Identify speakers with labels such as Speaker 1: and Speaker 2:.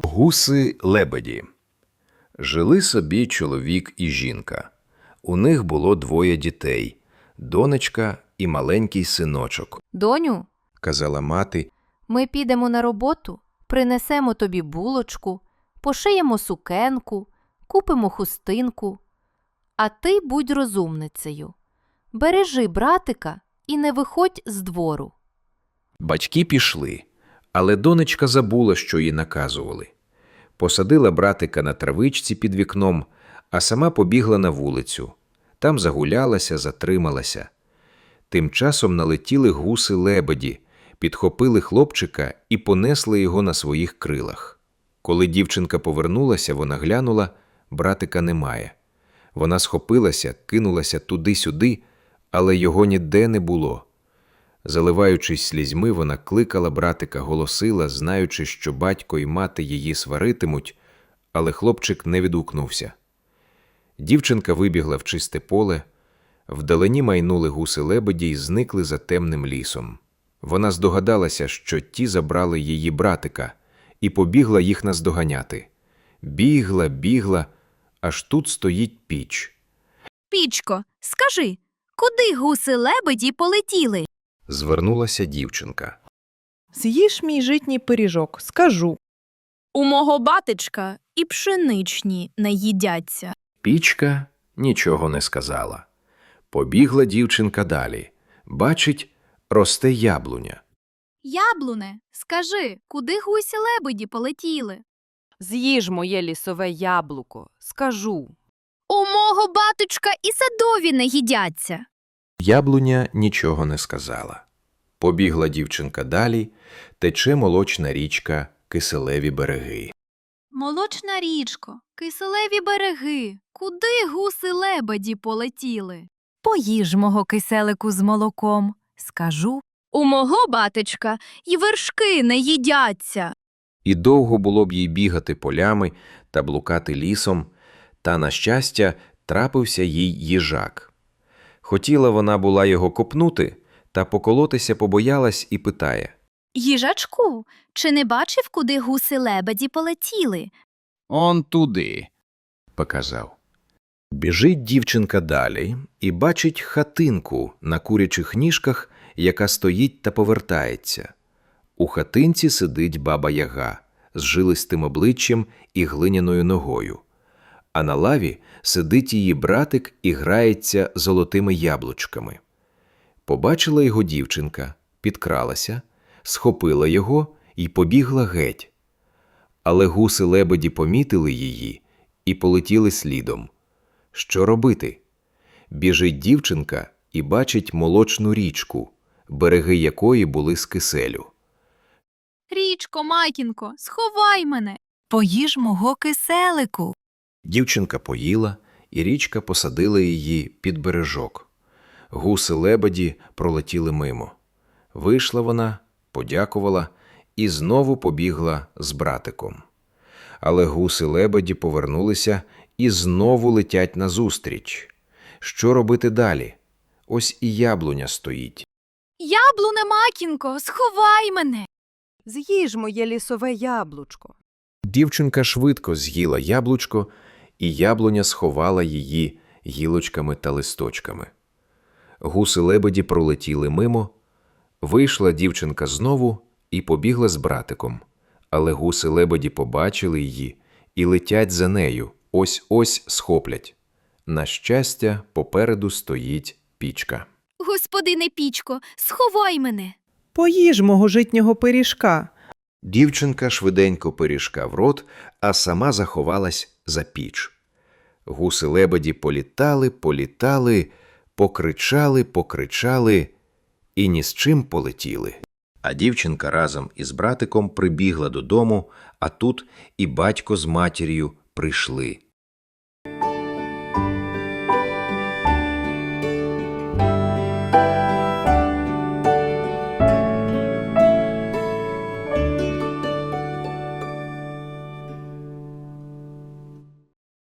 Speaker 1: Гуси-лебеді. Жили собі чоловік і жінка. У них було двоє дітей – донечка і маленький синочок.
Speaker 2: «Доню,
Speaker 1: – казала мати,
Speaker 2: – ми підемо на роботу, принесемо тобі булочку, пошиємо сукенку, купимо хустинку. А ти будь розумницею. Бережи братика і не виходь з двору».
Speaker 1: Батьки пішли, але донечка забула, що їй наказували. Посадила братика на травичці під вікном, а сама побігла на вулицю. Там загулялася, затрималася. Тим часом налетіли гуси-лебеді, підхопили хлопчика і понесли його на своїх крилах. Коли дівчинка повернулася, вона глянула – братика немає. Вона схопилася, кинулася туди-сюди, але його ніде не було. Заливаючись слізьми, вона кликала братика, голосила, знаючи, що батько і мати її сваритимуть, але хлопчик не відгукнувся. Дівчинка вибігла в чисте поле, вдалині майнули гуси-лебеді й зникли за темним лісом. Вона здогадалася, що ті забрали її братика, і побігла їх наздоганяти. Бігла, бігла, аж тут стоїть піч.
Speaker 3: «Пічко, скажи, куди гуси-лебеді полетіли?»
Speaker 1: Звернулася дівчинка.
Speaker 4: «З'їж мій житній пиріжок, скажу».
Speaker 3: «У мого батечка і пшеничні не їдяться».
Speaker 1: Пічка нічого не сказала. Побігла дівчинка далі. Бачить, росте яблуня.
Speaker 3: «Яблуне, скажи, куди гуси-лебеді полетіли?»
Speaker 2: «З'їж моє лісове яблуко, скажу».
Speaker 3: «У мого батечка і садові не їдяться».
Speaker 1: Яблуня нічого не сказала. Побігла дівчинка далі, тече молочна річка, киселеві береги.
Speaker 3: «Молочна річко, киселеві береги, куди гуси-лебеді полетіли?»
Speaker 5: Поїж мого киселику з молоком, скажу».
Speaker 3: «У мого батечка і вершки не їдяться».
Speaker 1: І довго було б їй бігати полями та блукати лісом, та, на щастя, трапився їй їжак. Хотіла вона була його копнути, та поколотися побоялась і питає.
Speaker 3: «Їжачку, чи не бачив, куди гуси-лебеді полетіли?»
Speaker 6: «Он туди»,
Speaker 1: – показав. Біжить дівчинка далі і бачить хатинку на курячих ніжках, яка стоїть та повертається. У хатинці сидить баба-яга з жилистим обличчям і глиняною ногою. А на лаві сидить її братик і грається золотими яблучками. Побачила його дівчинка, підкралася, схопила його і побігла геть. Але гуси-лебеді помітили її і полетіли слідом. Що робити? Біжить дівчинка і бачить молочну річку, береги якої були з киселю.
Speaker 3: «Річко, матінко, сховай мене!»
Speaker 5: Поїж мого киселику.
Speaker 1: Дівчинка поїла, і річка посадила її під бережок. Гуси-лебеді пролетіли мимо. Вийшла вона, подякувала і знову побігла з братиком. Але гуси-лебеді повернулися і знову летять назустріч. Що робити далі? Ось і яблуня стоїть.
Speaker 3: «Яблуне, матінко, сховай мене!»
Speaker 4: «З'їж моє лісове яблучко».
Speaker 1: Дівчинка швидко з'їла яблучко, і яблуня сховала її гілочками та листочками. Гуси-лебеді пролетіли мимо. Вийшла дівчинка знову і побігла з братиком. Але гуси-лебеді побачили її і летять за нею, ось-ось схоплять. На щастя, попереду стоїть пічка.
Speaker 3: «Господине Пічко, сховай мене!»
Speaker 4: «Поїж мого житнього пиріжка».
Speaker 1: Дівчинка швиденько пиріжка в рот, а сама заховалась за піч. Гуси-лебеді політали, політали, покричали, покричали і ні з чим полетіли. А дівчинка разом із братиком прибігла додому, а тут і батько з матір'ю прийшли.